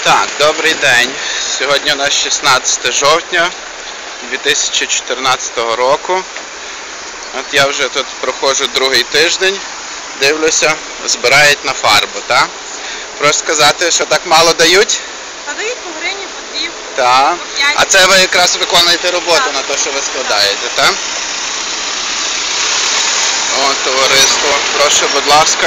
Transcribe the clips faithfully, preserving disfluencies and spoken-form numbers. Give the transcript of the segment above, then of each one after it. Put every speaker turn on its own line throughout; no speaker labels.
Так, добрий день. Сьогодні у нас шістнадцяте жовтня дві тисячі чотирнадцятого року. От я вже тут проходжу другий тиждень, дивлюся, збирають на фарбу, так? Прошу сказати, що так мало дають?
Та дають по гривні, по дві,
Так.
по п'ять.
А це ви якраз виконуєте роботу
Так.
на те, що ви складаєте, так? О, товариство, прошу, будь ласка.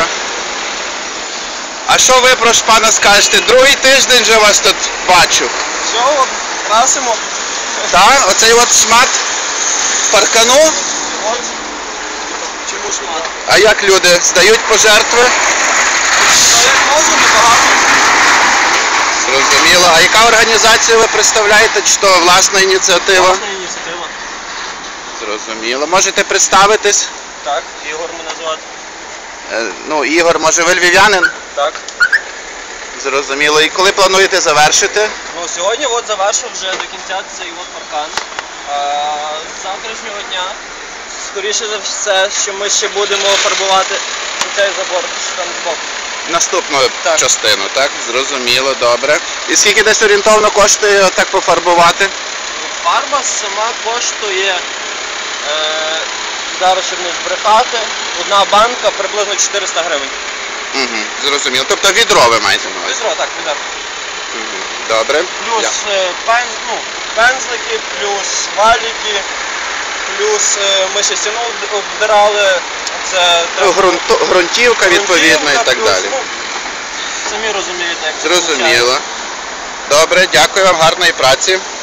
А що ви, прошу пана, скажете? Другий тиждень вже вас тут бачу.
Все, от, красимо.
Так? Оцей от шмат паркану.
От. Чому шмат?
А як люди здають пожертви?
Ну, як можна, небагато.
Зрозуміло. А яка організація ви представляєте? Чи то власна ініціатива?
Власна ініціатива.
Зрозуміло. Можете представитись?
Так, Ігор мене звати.
Е, Ну, Ігор, може ви львів'янин?
Так.
Зрозуміло. І коли плануєте завершити?
Ну, сьогодні от завершив вже до кінця цей от паркан. А, з завтрашнього дня, скоріше за все, що ми ще будемо фарбувати цей забор, що там збоку.
Наступну
Так.
частину, так? Зрозуміло, добре. І скільки десь орієнтовно коштує так пофарбувати?
Фарба сама коштує, е, зараз щоб не збрехати, одна банка приблизно чотириста гривень.
Угу, зрозуміло. Тобто відро ви маєте на увазі?
Відро, так, відро.
Угу. Добре.
Плюс
Я-
е, пен, ну, пензлики, плюс валіки, плюс е, ми ще стіну обд- обдирали, це
Ну, ґрунту- ґрунтівка відповідно і
грунтівка,
так
плюс,
далі.
ну, самі розумієте, як це
Зрозуміло.
виходить.
Добре, дякую вам, гарної праці.